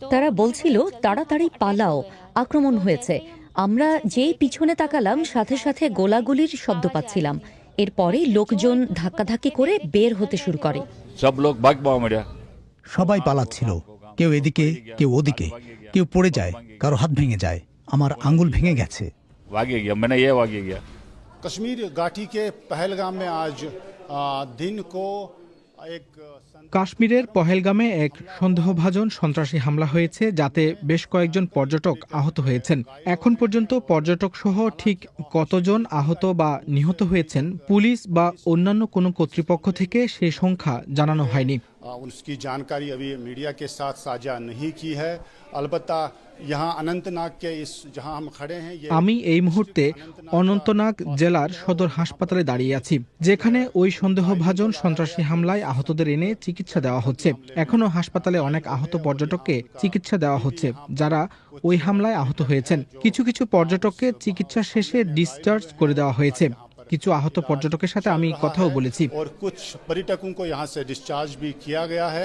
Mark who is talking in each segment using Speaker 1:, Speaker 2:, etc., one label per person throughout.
Speaker 1: তারা বলছিল তাড়াতাড়ি পালাও, আক্রমণ হয়েছে। আমরা যেই পিছনে তাকালাম সাথে সাথে গোলাগুলির শব্দ পাচ্ছিলাম। এরপরেই লোকজন ধাক্কাধাক্কি করে বের হতে শুরু করে।
Speaker 2: সব লোক ভাগ পাওয়া মেরা
Speaker 3: সবাই পালাচ্ছিল, কেউ এদিকে কেউ ওদিকে, কেউ পড়ে যায়, কারো হাত ভেঙে যায়, আমার আঙ্গুল ভেঙে গেছে।
Speaker 2: ভাগে গিয়া মানে ইয়ে ভাগে গিয়া।
Speaker 4: कश्मीर घाटी के पहलगाम में आज दिन को एक
Speaker 5: কাশ্মীরের পহেলগামে এক সন্দেহভাজন সন্ত্রাসী হামলা হয়েছে, যাতে বেশ কয়েকজন পর্যটক আহত হয়েছেন। এখন পর্যন্ত পর্যটক সহ ঠিক কতজন আহত বা নিহত হয়েছেন পুলিশ বা অন্যান্য কোনো কর্তৃপক্ষ থেকে সেই সংখ্যা জানানো হয়নি।
Speaker 4: उसकी जानकारी अभी मीडिया के साथ साझा नहीं की है। अलबत्ता यहाँ अनंतनाग के इस जहाँ हम खड़े हैं
Speaker 5: আমি এই মুহূর্তে অনন্তনাগ জেলার সদর হাসপাতালে দাঁড়িয়ে আছি, যেখানে ওই সন্দেহভাজন সন্ত্রাসী হামলায় আহতদের এনে চিকিৎসা দেওয়া হচ্ছে। এখনো হাসপাতালে অনেক আহত পর্যটককে চিকিৎসা দেওয়া হচ্ছে, যারা ওই হামলায় আহত হয়েছেন। কিছু কিছু পর্যটককে চিকিৎসা শেষে ডিসচার্জ করে দেওয়া হয়েছে। কিছু আহত পর্যটকের সাথে আমি কথাও বলেছি।
Speaker 4: और कुछ पर्यटकों को यहाँ से डिस्चार्ज भी किया गया है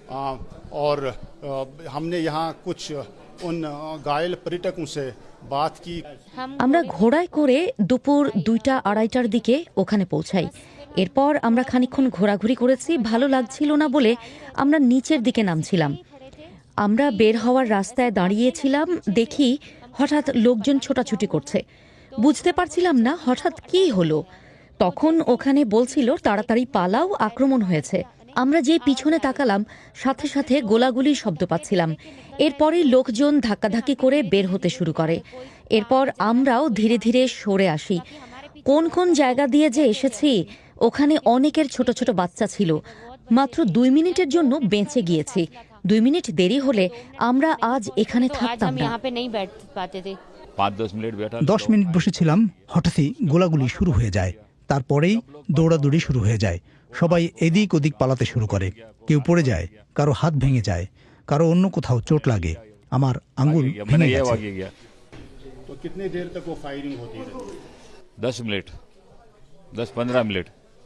Speaker 4: और हमने यहाँ कुछ उन घायल पर्यटकों से बात की।
Speaker 1: আমরা ঘোড়ায় করে দুপুর 2টা-2:30টার দিকে ওখানে পৌঁছাই। এরপর আমরা খানিকক্ষণ ঘোরাঘুরি করেছি। ভালো লাগছিল না বলে আমরা নিচের দিকে নামছিলাম। আমরা বের হওয়ার রাস্তায় দাঁড়িয়েছিলাম, দেখি হঠাৎ লোকজন ছোটাছুটি করছে। বুঝতে পারছিলাম না হঠাৎ কী হলো। তখন ওখানে বলছিল তাড়াতাড়ি পালাও, আক্রমণ হয়েছে। আমরা যে পিছনে তাকালাম সাথে সাথে গোলাগুলির শব্দ পাচ্ছিলাম। এরপরেই লোকজন ধাক্কাধাক্কি করে বের হতে শুরু করে। এরপর আমরাও ধীরে ধীরে সরে আসি। কোন কোন জায়গা দিয়ে যে এসেছি, ওখানে অনেকের ছোট ছোট বাচ্চা ছিল। মাত্র 2 মিনিটের জন্য বেঁচে গিয়েছি। 2 মিনিট দেরি হলে আমরা আজ এখানে থাকতাম না।
Speaker 2: 5-10 মিনিট বেটা
Speaker 3: 10 মিনিট বসেছিলাম, হঠাৎই গোলাগুলি শুরু হয়ে যায়। তারপরেই দৌড়াদৌড়ি শুরু হয়ে যায়। সবাই এদিক ওদিক পালাতে শুরু করে, কেউ পড়ে যায়, কারো হাত ভেঙে যায়, কারো অন্য কোথাও চোট লাগে। আমার আঙ্গুল
Speaker 2: মানে
Speaker 3: ভেঙে
Speaker 2: ইয়ে
Speaker 3: গেছে।
Speaker 2: ভাগে গিয়া।
Speaker 4: तो कितनी देर तक वो फायरिंग होती रही?
Speaker 2: 10 মিনিট 10-15 মিনিট।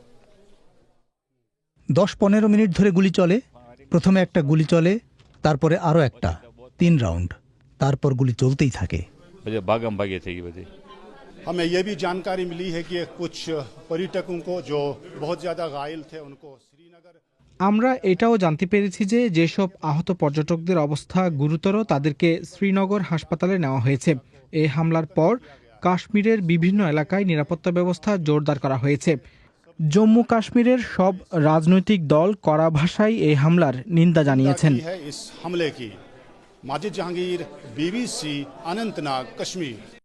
Speaker 3: 10-15 মিনিট ধরে গুলি চলে। প্রথমে একটা গুলি চলে, তারপরে আরো একটা, 3 রাউন্ড, তারপর গুলি চলতেই থাকে।
Speaker 2: बजे भागम भागे थे ये बजे।
Speaker 4: हमें ये भी जानकारी मिली है कि कुछ पर्यटकों को जो बहुत ज़्यादा घायल थे उनको श्रीनगर।
Speaker 5: আমরা এটাও জানতে পেরেছি যে যেসব আহত পর্যটকদের অবস্থা গুরুতর তাদেরকে শ্রীনগর হাসপাতালে নেওয়া হয়েছে। এই হামলার পর কাশ্মীরের বিভিন্ন এলাকায় নিরাপত্তা ব্যবস্থা জোরদার করা হয়েছে। জম্মু কাশ্মীরের সব রাজনৈতিক দল কড়া ভাষায় এই হামলার নিন্দা জানিয়েছেন।
Speaker 4: की है इस हमले की। माजिद जहांगीर, BBC, अनंतनाग, कश्मीर।